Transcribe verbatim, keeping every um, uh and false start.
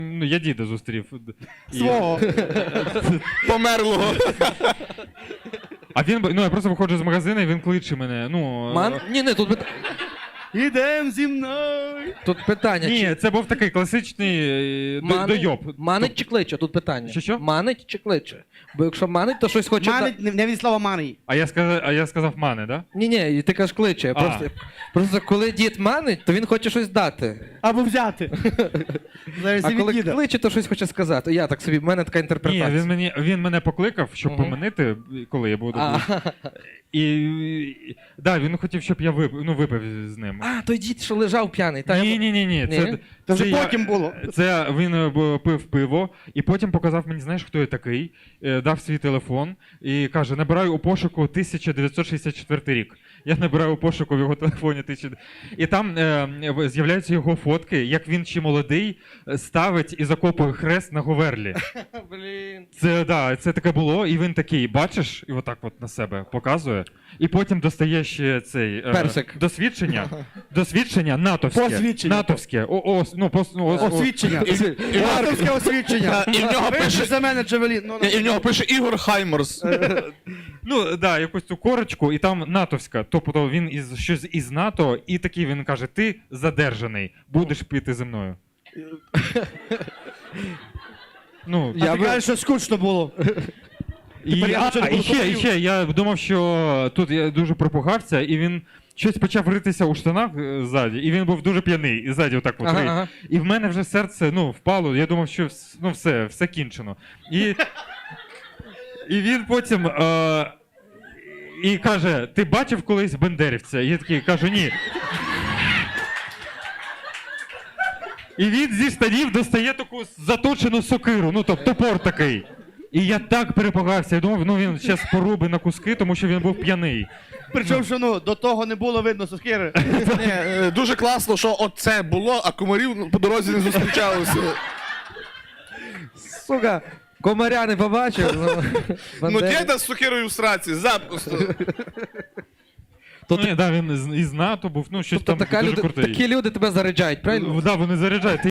Ну, я діда зустрів. І- Свого. Померлого. А він, ну я просто виходжу з магазину, і він кличе мене. Ну, Ман? Ні, ні, тут, пит- Ідем зі мною. тут питання. Ні, чи... це був такий класичний е, до- Манить- дойоб. Манить чи кличе? Тут питання. Що, що? Манить чи кличе? Бо якщо манить, то щось хоче... Манить, не, не від слова money. А я сказав, а я сказав мане, да? Ні, ні, і ти кажеш кличе. А. Просто, просто коли дід манить, то він хоче щось дати. Або взяти. Зараз А і коли від діда. кличе, то щось хоче сказати. Я так собі, в мене така Ні, інтерпретація. він мені він мене покликав, щоб Мгм. поманити, коли я буду. А, І, і да, він хотів, щоб я випив, ну, випив з ним. а, той дід, що лежав п'яний. Та, Ні, я... ні, ні, ні. Ні? Це, Це вже я- потім було. Це він е, б- пив пиво, і потім показав мені, знаєш, хто я такий, е, дав свій телефон і каже: набираю у пошуку тисяча дев'ятсот шістдесят четвертий рік. Я набираю у пошуку в його телефоні тисяча. І там е, з'являються його фотки, як він ще молодий е, ставить і закопує хрест на Говерлі. Блін. Це да, це таке було, і він такий, бачиш, і отак от на себе показує. І потім достає ще цей е, Персик. досвідчення. Досвідчення натовське. Посвідчення. Натовське. О, о, ну, пос, ну, ос- о- Освідчення. І- і- Автовське освідчення. І в нього Випиш пише- за мене Джавелін. Ну, ну. І в нього пише Ігор Хаймерс. Ну, да, якусь цю корочку, і там натовська. Тобто він із щось із НАТО, і такий він каже: ти задержаний, будеш піти зі мною. Ну, А Я ти би- кажеш, що скучно було. і, Тепер я а, нічого не і буду ще, і хотів. ще, я думав, що тут я дуже пропугався, і він щось почав ритися у штанах е, ззаді, і він був дуже п'яний, і ззаді отак от Ага, рить. ага. І в мене вже серце, ну, впало, я думав, що вс- ну, все, все кінчено. І, і він потім е, і каже: ти бачив колись бендерівця? І я такий кажу: ні. І він зі штанів достає таку заточену сокиру, ну тобто топор такий. І я так перепугався, я думав, ну він зараз поруби на куски, тому що він був п'яний. Причому, що ну, до того не було видно сокири. Ні, е, дуже класно, що оце було, а комарів ну, по дорозі не зустрічалося. Сука, комаря не побачив. Ну, Ну, Бандера. діда з сокирою в сраці, запросто. То Ну, ні, да, він із, із НАТО був, ну щось Тобто там така дуже люди, крутий. такі люди тебе заряджають, правильно? Да, вони заряджають.